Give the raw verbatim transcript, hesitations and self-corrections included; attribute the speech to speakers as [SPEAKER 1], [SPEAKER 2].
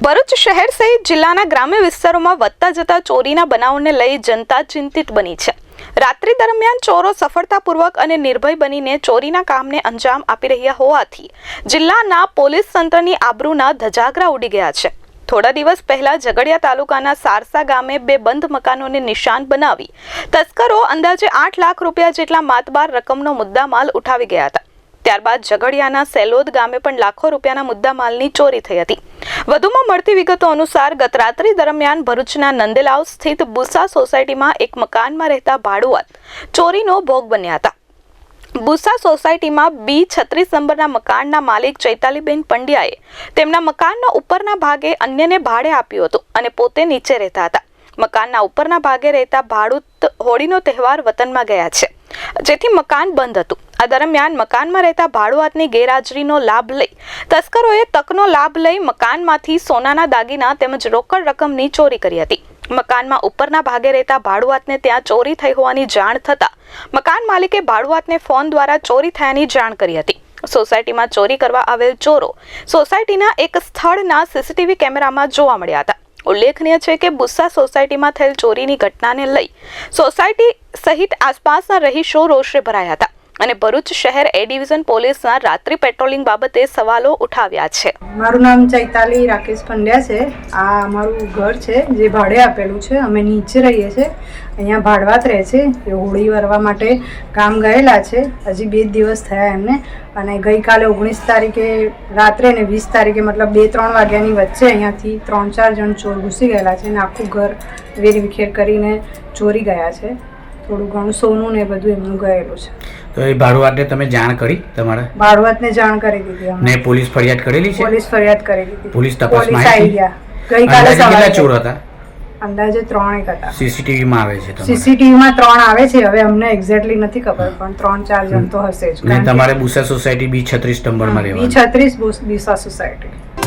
[SPEAKER 1] ભરૂચ શહેર સહિત જિલ્લાના ગ્રામ્ય વિસ્તારોમાં વધતા જતા ચોરીના બનાવોને લઈ જનતા ચિંતિત બની છે। રાત્રિ દરમિયાન ચોરો સફળતાપૂર્વક અને નિર્ભય બનીને ચોરીના કામને અંજામ આપી રહ્યા હોવાથી જિલ્લાના પોલીસ તંત્રની આબરૂના ધજાગરા ઉડી ગયા છે। થોડા દિવસ પહેલા ઝઘડિયા તાલુકાના સારસા ગામે બે બંધ મકાનોને નિશાન બનાવી તસ્કરો અંદાજે આઠ લાખ રૂપિયા જેટલા માતબાર રકમનો મુદ્દામાલ ઉઠાવી ગયા હતા। ત્યારબાદ ઝઘડિયાના સેલોદ ગામે પણ લાખો રૂપિયાના મુદ્દામાલની ચોરી થઈ હતી। વધુમાં મળતી વિગતો અનુસાર ગત રાત્રિ દરમિયાન ભરૂચના નંદેલાવ સ્થિત બુસા સોસાયટીમાં એક મકાનમાં રહેતા ભાડુઆત ચોરીનો ભોગ બન્યા હતા। બુસા સોસાયટીમાં બી છત્રીસ નંબરના મકાનના માલિક ચૈતાલીબેન પંડ્યાએ તેમના મકાનના ઉપરના ભાગે અન્યને ભાડે આપ્યું હતું અને પોતે નીચે રહેતા હતા। મકાનના ઉપરના ભાગે રહેતા ભાડૂત હોળીનો તહેવાર વતનમાં ગયા છે, જેથી મકાન બંધ હતું। આ દરમિયાન મકાનમાં રહેતા ભાડુઆતની ગેરહાજરીનો લાભ લઈ તસ્કરોએ તકનો લાભ લઈ મકાનમાંથી સોનાના દાગીના તેમજ રોકડ રકમની ચોરી કરી હતી। મકાનમાં ઉપરના ભાગે રહેતા ભાડુઆતને ત્યાં ચોરી થઈ હોવાની જાણ થતા મકાન માલિકે ભાડુઆતને ફોન દ્વારા ચોરી થયાની જાણ કરી હતી। સોસાયટીમાં ચોરી કરવા આવેલ ચોરો સોસાયટીના એક સ્થળના સીસીટીવી કેમેરામાં જોવા મળ્યા હતા। ઉલ્લેખનીય છે કે બુસ્સા સોસાયટીમાં થયેલ ચોરીની ઘટનાને લઈ સોસાયટી સહિત આસપાસના રહીશો રોષે ભરાયા હતા અને ભરૂચ શહેર એ ડિવિઝન પોલીસના રાત્રિ પેટ્રોલિંગ બાબતે સવાલો ઉઠાવ્યા છે।
[SPEAKER 2] મારું નામ ચૈતાલી રાકેશ પંડ્યા છે। આ અમારું ઘર છે જે ભાડે આપેલું છે। અમે નીચે રહીએ છીએ, અહીંયા ભાડવાત રહે છે। એ હોળી વરવા માટે ગામ ગયેલા છે, હજી બે દિવસ થયા એમને। અને ગઈકાલે ઓગણીસ તારીખે રાત્રે ને વીસ તારીખે મતલબ બે ત્રણ વાગ્યાની વચ્ચે અહીંયાથી ત્રણ ચાર જણ ચોર ઘૂસી ગયેલા છે અને આખું ઘર વેરવિખેર કરીને ચોરી ગયા છે। થોડું ઘણું સોનું ને બધું એમનું ગયેલું છે।
[SPEAKER 3] તો એ ભાડુઆતને તમે જાણ કરી? તમારા
[SPEAKER 2] ભાડુઆતને જાણ કરી દીધી અમે।
[SPEAKER 3] ને પોલીસ ફરિયાદ કરેલી છે?
[SPEAKER 2] પોલીસ ફરિયાદ કરી દીધી।
[SPEAKER 3] પોલીસ તપાસમાં
[SPEAKER 2] આવી ગયા ગઈકાલે
[SPEAKER 3] સવારે। કેટલા ચોર હતા?
[SPEAKER 2] અંદાજે ત્રણ એક હતા।
[SPEAKER 3] સીસીટીવી માં આવે છે?
[SPEAKER 2] સીસીટીવી માં ત્રણ આવે છે, હવે અમને એક્ઝેક્ટલી નથી ખબર, પણ ત્રણ ચાર જણ તો હશે જ।
[SPEAKER 3] તમારે બુસા સોસાયટી બી છત્રીસ નંબરમાં રહેવાનું?
[SPEAKER 2] બી છત્રીસ બુસા સોસાયટી।